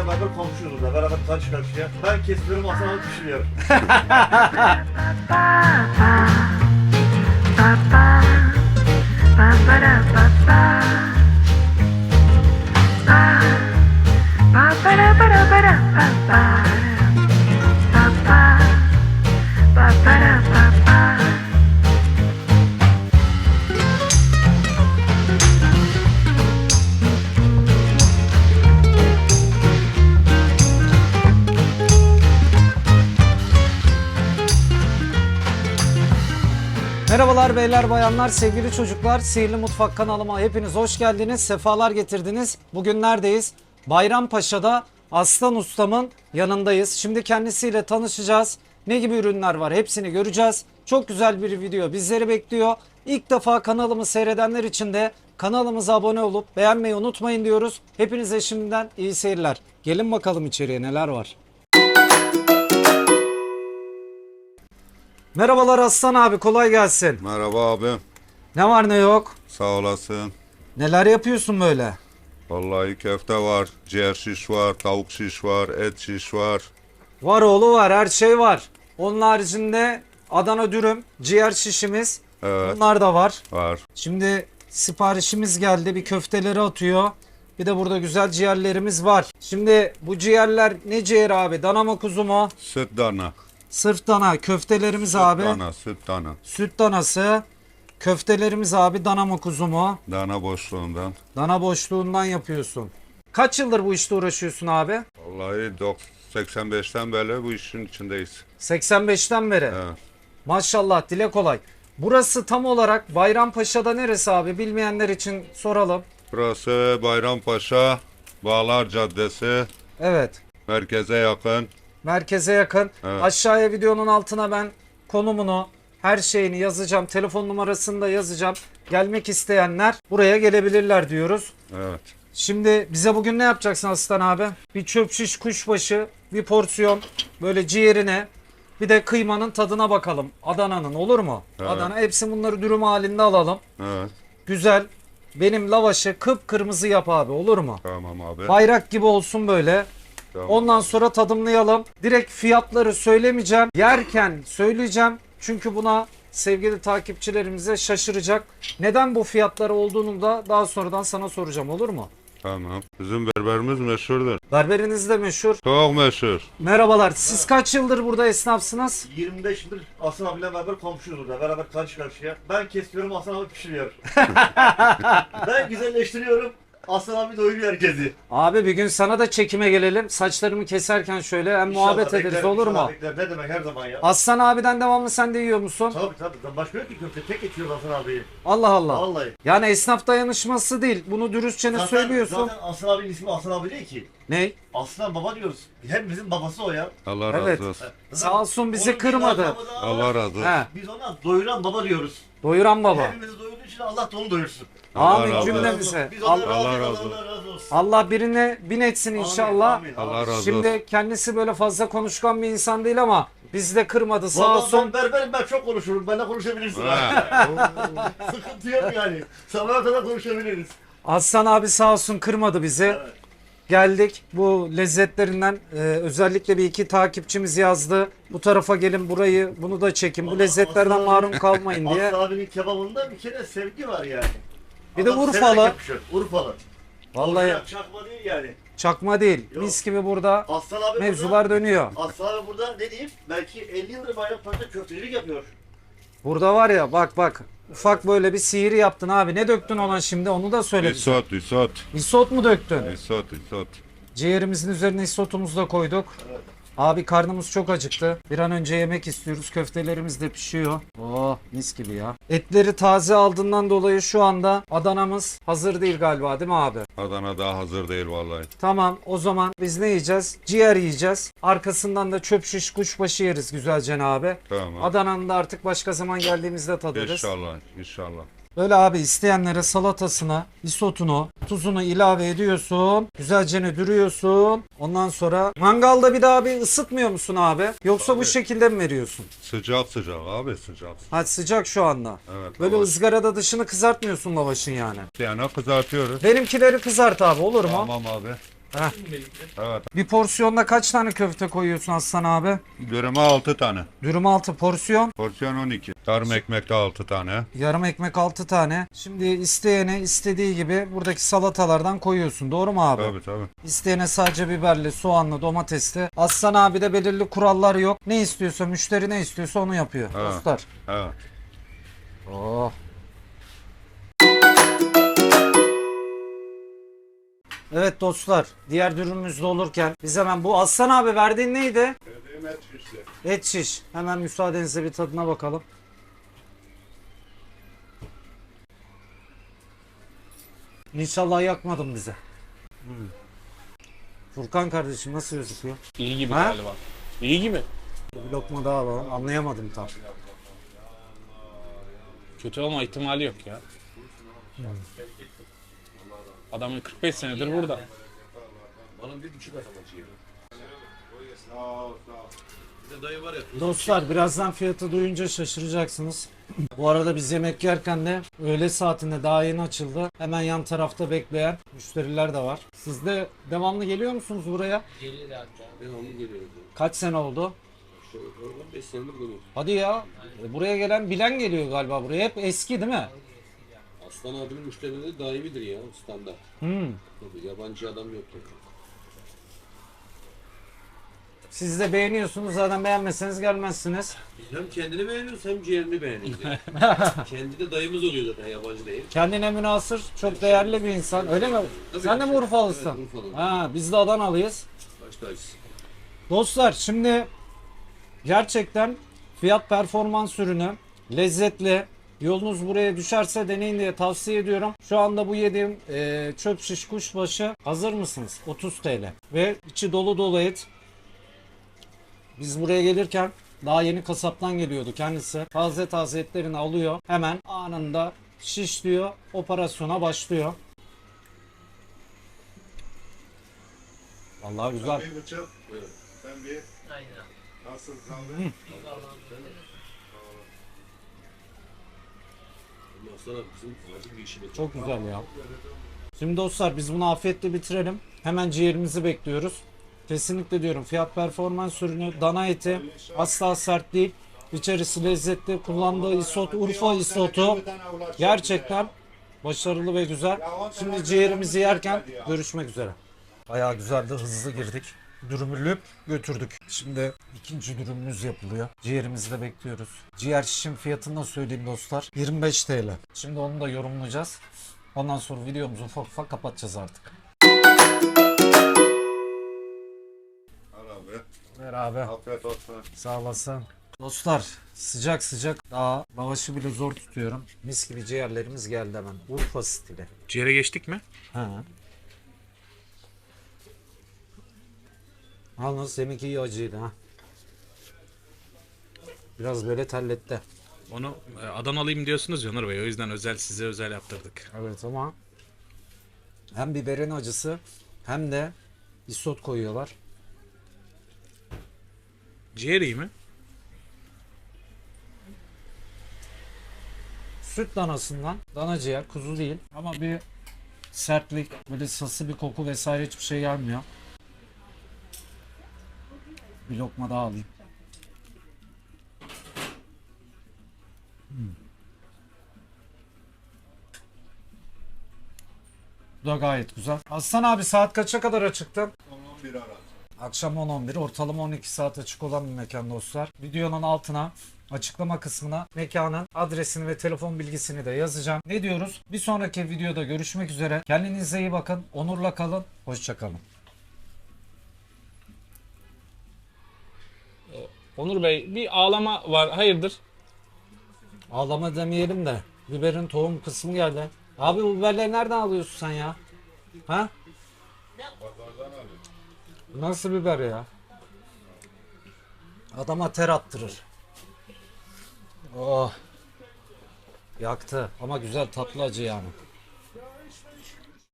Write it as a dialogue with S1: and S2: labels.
S1: beraber komşuyuz da beraber karşı karşıya. Ben kesiyorum, Hasan abi pişiriyor.
S2: Merhabalar beyler bayanlar, sevgili çocuklar. Sihirli Mutfak kanalıma hepiniz hoş geldiniz. Sefalar getirdiniz. Bugün neredeyiz? Bayrampaşa'da Aslan Ustam'ın yanındayız. Şimdi kendisiyle tanışacağız. Ne gibi ürünler var hepsini göreceğiz. Çok güzel bir video bizleri bekliyor. İlk defa kanalımı seyredenler için de kanalımıza abone olup beğenmeyi unutmayın diyoruz. Hepinize şimdiden iyi seyirler. Gelin bakalım içeriye neler var. Merhabalar Aslan abi, kolay gelsin.
S3: Merhaba abi.
S2: Ne var ne yok?
S3: Sağ olasın.
S2: Neler yapıyorsun böyle?
S3: Vallahi köfte var, ciğer şiş var, tavuk şiş var, et şiş var.
S2: Var oğlu var, her şey var. Onun haricinde Adana dürüm, ciğer şişimiz,
S3: Evet.
S2: bunlar da var.
S3: Var.
S2: Şimdi siparişimiz geldi, bir köfteleri atıyor. Bir de burada güzel ciğerlerimiz var. Şimdi bu ciğerler ne ciğer abi? Dana mı kuzu mu?
S3: Süt dana.
S2: Sırf dana. Köftelerimiz
S3: Süt
S2: abi.
S3: dana, süt dana.
S2: Süt danası. Köftelerimiz abi dana mı kuzu mu?
S3: Dana boşluğundan.
S2: Dana boşluğundan yapıyorsun. Kaç yıldır bu işte uğraşıyorsun abi?
S3: Vallahi 85'ten beri bu işin içindeyiz.
S2: 85'ten beri.
S3: Evet.
S2: Maşallah, dile kolay. Burası tam olarak Bayrampaşa'da neresi abi? Bilmeyenler için soralım.
S3: Burası Bayrampaşa, Bağlar Caddesi,
S2: Evet.
S3: merkeze yakın.
S2: Merkeze yakın.
S3: Evet.
S2: Aşağıya videonun altına ben konumunu, her şeyini yazacağım. Telefon numarasını da yazacağım. Gelmek isteyenler buraya gelebilirler diyoruz.
S3: Evet.
S2: Şimdi bize bugün ne yapacaksın Aslan abi? Bir çöp şiş kuşbaşı, bir porsiyon böyle ciğerine, bir de kıymanın tadına bakalım. Adana'nın, olur mu?
S3: Evet.
S2: Adana, hepsi bunları dürüm halinde alalım.
S3: Evet.
S2: Güzel. Benim lavaşı kıpkırmızı yap abi, olur mu?
S3: Tamam abi.
S2: Bayrak gibi olsun böyle.
S3: Tamam.
S2: Ondan sonra tadımlayalım. Direkt fiyatları söylemeyeceğim. Yerken söyleyeceğim. Çünkü buna sevgili takipçilerimize şaşıracak. Neden bu fiyatları olduğunu da daha sonradan sana soracağım, olur mu?
S3: Tamam. Bizim berberimiz meşhurdur.
S2: Berberiniz de meşhur.
S3: Çok meşhur.
S2: Merhabalar. Siz kaç yıldır burada esnafsınız?
S1: 25 yıldır Hasan abiyle beraber komşuyuz da beraber karşı karşıya. Ben kesiyorum, Hasan abi pişiriyor. Ben güzelleştiriyorum, Hasan abi doyuruyor herkesi.
S2: Abi bir gün sana da çekime gelelim. Saçlarımı keserken şöyle hem
S1: İnşallah
S2: muhabbet ederiz,
S1: beklerim,
S2: olur mu?
S1: inşallah beklerim. Ne demek, her zaman ya.
S2: Aslan abiden devamlı sen de yiyor musun?
S1: Tabii. Başka yok ki köfte. Tek geçiyor Hasan abiyi.
S2: Allah Allah.
S1: Vallahi.
S2: Yani esnaf dayanışması değil. Bunu dürüstçe ne söylüyorsun?
S1: Zaten Hasan abinin ismi Hasan abi değil ki.
S2: Ney?
S1: Aslan baba diyoruz. Hepimizin babası o ya.
S3: Allah
S2: Evet.
S3: razı olsun.
S2: Sağ olsun bizi
S1: Onun bir
S2: kırmadı.
S1: lakabı daha var.
S3: Allah razı olsun.
S2: He,
S1: Biz ona doyuran baba diyoruz.
S2: doyuran baba.
S1: Hepimizi doyurduğu için Allah da onu doyursun.
S3: Allah
S2: Amin
S3: razı
S2: cümlemize.
S1: Biz ona
S3: Allah
S1: razıyız,
S3: razı olsun.
S1: Allah razı olsun.
S2: Allah birine bin etsin inşallah.
S1: Amin.
S3: Allah razı olsun.
S2: Şimdi kendisi böyle fazla konuşkan bir insan değil ama bizi de kırmadı sağ
S1: Vallahi
S2: olsun.
S1: ben berberim, ben çok konuşurum. Benimle konuşabilirsin.
S3: Ha.
S1: Sıkıntı yok yani. Sabaha kadar konuşabiliriz.
S2: Aslan abi sağ olsun kırmadı bizi.
S1: Evet.
S2: Geldik bu lezzetlerinden özellikle bir iki takipçimiz yazdı. Bu tarafa gelin, burayı bunu da çekin. Bu
S1: Vallahi
S2: lezzetlerden
S1: Aslan
S2: mahrum kalmayın diye.
S1: Aslı abinin kebabında bir kere sevgi var yani.
S2: Bir de
S1: Adam
S2: Urfalı.
S1: severek yapışıyor. Urfalı.
S2: Vallahi
S1: Orijinal çakma değil yani.
S2: çakma değil.
S1: Yok.
S2: Mis gibi burada
S1: Aslan abi
S2: mevzular dönüyor.
S1: Aslan abi burada ne diyeyim? Belki 50 yıldır Bayrampaşa'da köftecilik yapıyor.
S2: Burada var ya bak ufak böyle bir sihir yaptın abi. Ne döktün ona şimdi onu da söyle bize.
S3: Isot.
S2: Isot mu döktün?
S3: Isot.
S2: Ciğerimizin üzerine isotumuzu da koyduk.
S1: Evet.
S2: Abi karnımız çok acıktı. Bir an önce yemek istiyoruz. Köftelerimiz de pişiyor. Oh mis gibi ya. Etleri taze aldığından dolayı şu anda Adana'mız hazır değil galiba, değil mi abi?
S3: Adana daha hazır değil vallahi.
S2: Tamam, o zaman biz ne yiyeceğiz? Ciğer yiyeceğiz. Arkasından da çöp şiş kuşbaşı yeriz güzelce abi.
S3: Tamam.
S2: Adana'nın da artık başka zaman geldiğimizde tadarız.
S3: İnşallah.
S2: Böyle abi isteyenlere salatasına, isotunu, tuzunu ilave ediyorsun. Güzelce ne dürüyorsun. Ondan sonra mangalda bir daha bir ısıtmıyor musun abi? Yoksa bu
S3: Abi.
S2: şekilde mi veriyorsun?
S3: Sıcak abi sıcak.
S2: Ha sıcak şu anda.
S3: Evet.
S2: Böyle
S3: lavaş.
S2: ızgarada dışını kızartmıyorsun lavaşın yani.
S3: Yani kızartıyoruz.
S2: Benimkileri kızart abi, olur mu?
S3: Tamam abi.
S2: Heh.
S3: Evet.
S2: Bir porsiyonda kaç tane köfte koyuyorsun Aslan abi?
S3: Dürüme 6 tane.
S2: Dürüm 6 porsiyon.
S3: Porsiyon 12. Yarım ekmekte 6 tane.
S2: Yarım ekmek 6 tane. Şimdi isteyene istediği gibi buradaki salatalardan koyuyorsun. Doğru mu abi?
S3: Tabii tabii.
S2: İsteyene sadece biberli, soğanlı, domatesli. Aslan abi de belirli kurallar yok. Ne istiyorsa, müşteri ne istiyorsa onu yapıyor.
S3: Evet.
S2: Dostlar.
S3: Evet.
S2: Oh. Evet dostlar, diğer dürümümüz de olurken biz hemen bu Aslan abi verdiğin neydi?
S3: Dediğim et şişti.
S2: Et şiş. Hemen müsaadenizle bir tadına bakalım. İnşallah yakmadım bize. Furkan kardeşim nasıl gözüküyor?
S4: İyi gibi
S2: Ha?
S4: galiba. İyi gibi.
S2: Bir lokma daha alalım. Anlayamadım tam.
S4: Kötü olma ihtimali yok ya. Adam 45 senedir burada.
S2: Dostlar birazdan fiyatı duyunca şaşıracaksınız. Bu arada biz yemek yerken de öğle saatinde daha yeni açıldı. Hemen yan tarafta bekleyen müşteriler de var. Siz de devamlı geliyor musunuz buraya?
S5: Devamlı geliyoruz.
S2: Kaç sene oldu?
S5: 5 senedir geliyoruz.
S2: Hadi ya. Buraya gelen bilen geliyor galiba buraya. Hep eski değil mi?
S5: Aslan abinin müşterileri daimidir ya, standart. Tabii yabancı adam yok.
S2: Siz de beğeniyorsunuz. Zaten beğenmezseniz gelmezsiniz.
S5: Biz hem kendini beğeniyoruz hem ciğerini beğeniyoruz. Yani. Kendi de dayımız oluyor zaten, yabancı değil.
S2: Kendine münhasır, çok değerli bir insan. Öyle mi?
S5: Tabii.
S2: Sen de mi Urfalısın?
S5: Evet, Urfalıyım.
S2: Ha, biz de Adanalıyız.
S5: Baş tacısı.
S2: Dostlar şimdi gerçekten fiyat performans ürünü lezzetli. Yolunuz buraya düşerse deneyin diye tavsiye ediyorum. Şu anda bu yediğim çöp şiş kuşbaşı hazır mısınız? 30 TL. Ve içi dolu dolu et. Biz buraya gelirken daha yeni kasaptan geliyordu kendisi. Taze taze etlerini alıyor. Hemen anında şişliyor. Operasyona başlıyor. Vallahi güzel.
S3: Bir bıçak.
S5: Buyurun.
S3: Sen bir. Nasıl kaldı?
S5: Aslan abi bizim acil bir işimiz var.
S2: Çok güzel ya. Şimdi dostlar biz bunu afiyetle bitirelim. Hemen ciğerimizi bekliyoruz. Kesinlikle diyorum fiyat performans ürünü, dana eti asla sert değil. İçerisi lezzetli. Kullandığı isot, Urfa isotu gerçekten başarılı ve güzel. Şimdi ciğerimizi yerken görüşmek üzere. Bayağı güzeldi, hızlı girdik. Dürümü lüp götürdük. Şimdi ikinci dürümümüz yapılıyor. Ciğerimizi de bekliyoruz. Ciğer şişin fiyatını da söyleyeyim dostlar. 25 TL. Şimdi onu da yorumlayacağız. Ondan sonra videomuzu ufak ufak kapatacağız artık.
S3: Al abi.
S2: Ver abi.
S3: Afiyet olsun.
S2: Sağ olasın. Dostlar sıcak sıcak daha lavaşı bile zor tutuyorum. Mis gibi ciğerlerimiz geldi hemen. Urfa stili.
S4: Ciğere geçtik mi?
S2: Ha. Yalnız deminki iyi acıydı ha. Biraz böyle terletti.
S4: Onu Adanalıyım diyorsunuz ya Onur Bey. O yüzden size özel yaptırdık.
S2: Evet ama hem biberin acısı hem de isot koyuyorlar.
S4: Ciğer iyi mi?
S2: Süt danasından, dana ciğer, kuzu değil ama bir sertlik, böyle sası bir koku vesaire hiçbir şey gelmiyor. Bir lokma daha alayım. Bu da gayet güzel. Aslan abi saat kaça kadar açıktın?
S3: 11 arası.
S2: Akşam 10-11, ortalama 12 saat açık olan bir mekan dostlar. Videonun altına açıklama kısmına mekanın adresini ve telefon bilgisini de yazacağım. Ne diyoruz? Bir sonraki videoda görüşmek üzere. Kendinize iyi bakın. Onurla kalın. Hoşça kalın.
S4: Onur Bey bir ağlama var. Hayırdır?
S2: Ağlama demeyelim de biberin tohum kısmı geldi. Abi bu biberleri nereden alıyorsun sen ya? Ha? Nasıl biber ya? Adama ter attırır. Oh. Yaktı ama güzel tatlı acı yani.